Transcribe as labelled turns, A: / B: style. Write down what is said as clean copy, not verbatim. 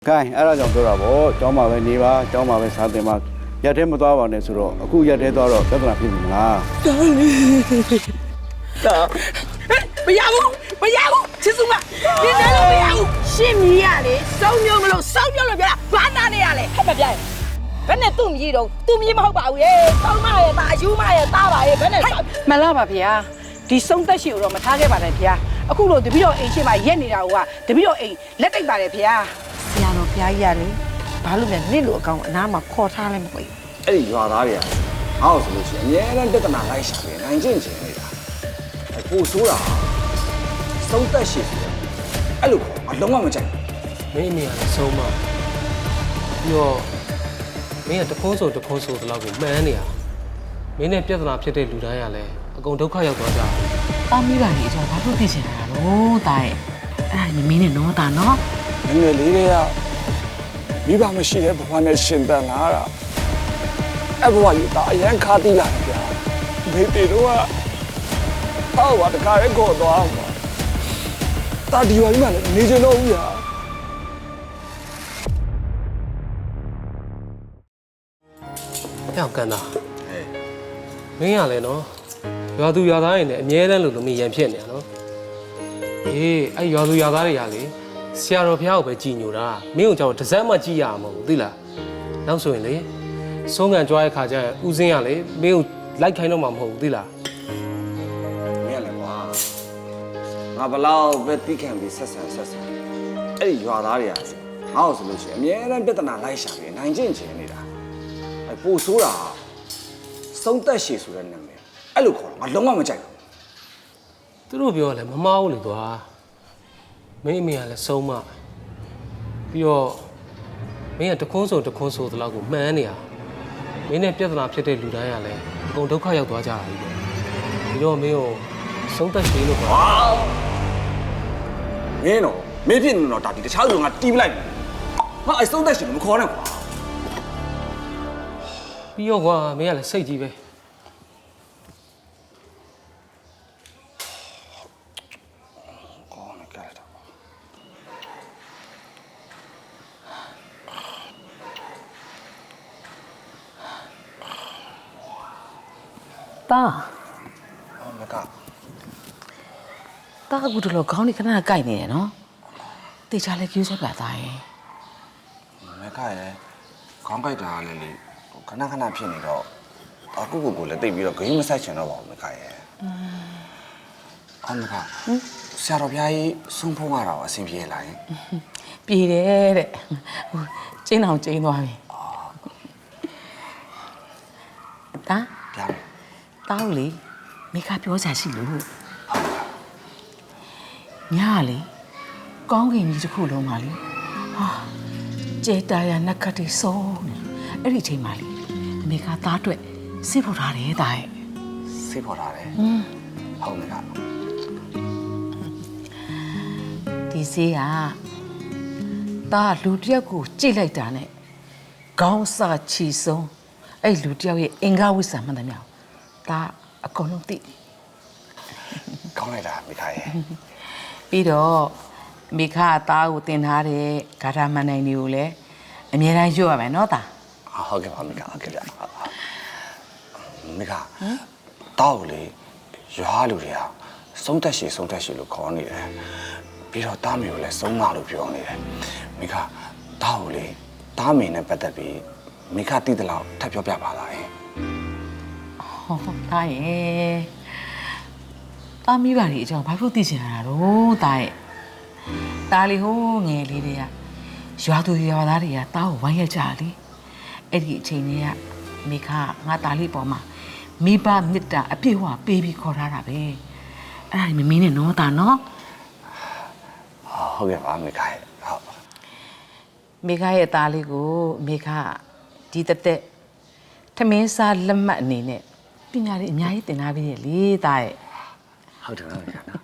A: ခိုင်းအဲ့ဒါကြောင့်ပြောတာပေါ့ကျောင်းမှာပဲနေပါကျောင်းမှာပဲစားတင်ပါရက်ထဲမသွားပါနဲ့ဆိုတော့အခုရက်ထဲသွားတော့ပြဿနာဖြစ်ပြီမလား
B: မရဘူးချစ်စုမဒီထဲလို့မရဘူးရှင်းမြည်ရလေစောင်းမျိုးမလို့စောင်းမျိုးလို့ပြောတာဘာနာနေရလဲဟဲ့မပြရင်ဘယ်နဲ့သူ့မြည်တော့သူ့မြည်မဟုတ်ပါဘူးရေတောင်းမရဲ့ဒါအယူမရဲ့တားပါရဲ့ဘယ်နဲ့မလားပါဗျာဒီစုံသက်ရှိကိုတော့မထားခဲ့ပါနဲ့ဗျာအခုလို့တပည့်တော်အိမ်ရှိမှရက်နေတာကတပည့်တော်အိမ်လက်တိတ်ပါတယ်ဗျာဆရာတော်ဘုရားကြီးရတယ်ဘာလို့လဲနင့်လိုအကောင်အနားမှာခေါ်ထားလဲမသိဘူး
C: အဲ့ဒီရွာသားတွေကငါ့ကိုဆိုလို့ရှိရင်အများနဲ့ပြဿနာလိုက်ရှာပြီးနိုင်ကျင့်ချင်နေတာအဖို့ဆိုးတာစုံသက်ရှိတယ်အဲ့လိုအလုံးဝမကြိုက်
D: မင်းအမေကလည်းဆုံးမပြီးတော့မင်းကတခုံးဆိုတလောက်ကိုမှန်းနေရမင်းနဲ့ပြဿနာဖြစ်တဲ့လူတိုင်းကလည်းအကုန်ဒုက္ခရောက်သွားကြတယ်
E: ။တောင်းမိပါလေကျွန်တော်ဘာလို့သိချင်တာလို့တာရဲ့အဲ့ဒါမင်းနဲ့နော်တာနော်
C: ငယ်ငယ်လေးတွေကမိဘမရှိတဲ့ဘဝနဲ့ရှင်သန်လာတာအဲ့ဘဝကြီးဒါအရန်ခါတိလာတယ်ဗျာမိတေတို့ကဟောပါတခါရဲကိုသွားမှာတာဒီဝါကြီးမှလည်းနေချင်တော့ဘူးဗျာ
D: ပြောင်းကန်တာမင်းကလည်းနော်ရွာသူရွာသားတွေနဲ့အမြဲတမ်းလို့မရန်ဖြစ်နေရနော်အေးအဲ့ရွာသူရွာသားတွေကလေဆရာတော်ဘုရားကိုပဲကြည်ညိုတာမင်းကိုကြောက်တစ်စက်မှကြည်ရမှာမဟုတ်ဘူးသိလားနောက်ဆိုရင်လေဆုံးကန်ကြွားတဲ့ခါကျရင်ဦးစင်းကလေမင်းကိုလိုက်ခိုင်းတော့မှာမဟုတ်ဘူးသိလား
C: မင်းလည်းကွာငါဘလောက်ပဲတိခံပြီးဆက်ဆံအဲ့ဒီရွာသားတွေကငါ့ကိုဆိုလို့ရှိရင်အများနဲ့ပြဿနာလိုက်ရှာပြီးနိုင်ကျင့်ချင်နေတာအဲ့ပို့ဆိုးတာစုံသက်ရှည်ဆိုတဲ့နာမည်အဲ့လိုခေါ်တော့ငါလုံးဝမကြိုက်ဘူး
D: သူတို့ပြောလဲမမားဘူးလေကွာမင်းအမေကလည်းဆုံးမပြီးတော့မင်းကတခုံးဆိုတလောက်ကိုမှန်းနေရမင်းနဲ့ပြဿနာဖြစ်တဲ့လူတိုင်းကလည်းအကုန်ဒုက္ခရောက်သွားကြတာကြီးပဲပြီးတော့မင်းကိုဆုံးသက်ရှည်လို့ကွာ
C: မင်းတော့မင်းဖြစ်နေတော့ဒါဒီတခြားလူကတီးပလိုက်ငါအဲ့စုံသက်ရှည်ကိုမခေါ်နဲ့ကွာ
D: ပြီးတော့ကွာမင်းကလည်းစိတ်ကြီးပဲ
E: တာ
C: မက
E: တာကူတို့ခေါင်းนี่ခဏကိုက်နေတယ်နော်တေချာလဲကျူးဆက်ပါသားရဲ့
C: မကရဲ့ခေါင်းကိုက်တာလည်းလေခဏဖြစ်နေတော့အခုကိုလည်းတိတ်ပြီးတော့ဂိမ်းမဆိုင်ချင်တော့ပါဘူးမကရဲ့မကဆရာတော်ဘုရားကြီးဆုံးဖုံးရတာအဆင်ပြေလား
E: ပြေတယ်တဲ့ဟိုကျင်းအောင်ကျင်းသွားပြီတာ
C: ဗျာ
E: တောင်းလေမိခပြောချာရှိလို့ညာလေကောင်းကင်ကြီးတစ်ခုလုံးပါလေဟာကျေတာရနက်ခတ်တီဆုံးနေအဲ့ဒီချိန်မှာလေမိခသားအတွက်စိတ်ဖော်ထားတယ်တာရဲ့
C: စိတ်ဖော်ထားတယ်ဟုတ်မိခ
E: ဒီစေးကတာလူတယောက်ကိုကြိတ်လိုက်တာနဲ့ခေါင်းစာချီဆုံးအဲ့လူတယောက်ရဲ့အင်္ဂါဝိဆာမှန်တယ်မြောက်ဒါအကုန်လုံးသိ
C: ကောင်းလိုက်တာမိခရဲ့
E: ပြီးတော့မိခအသားကိုတင်ထားတဲ့ဂါထာမန်နိုင်တွေကိုလည်းအမြဲတမ်းရွတ်ရမယ်နော်တာ
C: ဟုတ်ကဲ့ပါမိခဟုတ်ကဲ့ဗျမိခတောက်လေရွာလူတွေကစုံတက်ရှည်လို့ခေါ်နေတယ်ပြီးတော့တားမေကိုလည်းစုံမလို့ပြောနေတယ်မိခတောက်လေတားမေနဲ့ပတ်သက်ပြီးမိခတိတလောက်ထပ်ပြောပြပါလား
E: ဟုတ်တာရဲ့တာမိပါလေအကြောင်းဘာလို့သိချင်ရတာတော့တာရဲ့တာလီဟိုးငယ်လေးတွေကရွာသူရွာသားတွေကတာကိုဝိုင်းရကြလေအဲ့ဒီအချိန်တွေကမိခငါတာလီပေါ်မှာမိဘမေတ္တာအပြည့်အဝပေးပြီးခေါ်ထားတာပဲအဲ့ဒါမမင်းနဲ့နော်တာနော်
C: ဟုတ်ကဲ့ပါမိခရဲ့ဟုတ်
E: မိခရဲ့တာလေးကိုမိခဒီတက်ထမင်းစားလက်မှတ်အနေနဲ့ပညာလေးအများကြီးသင်ထားပြီးရလေတာရဲ့
C: ဟုတ်တယ်ဟုတ်ကဲ့နော်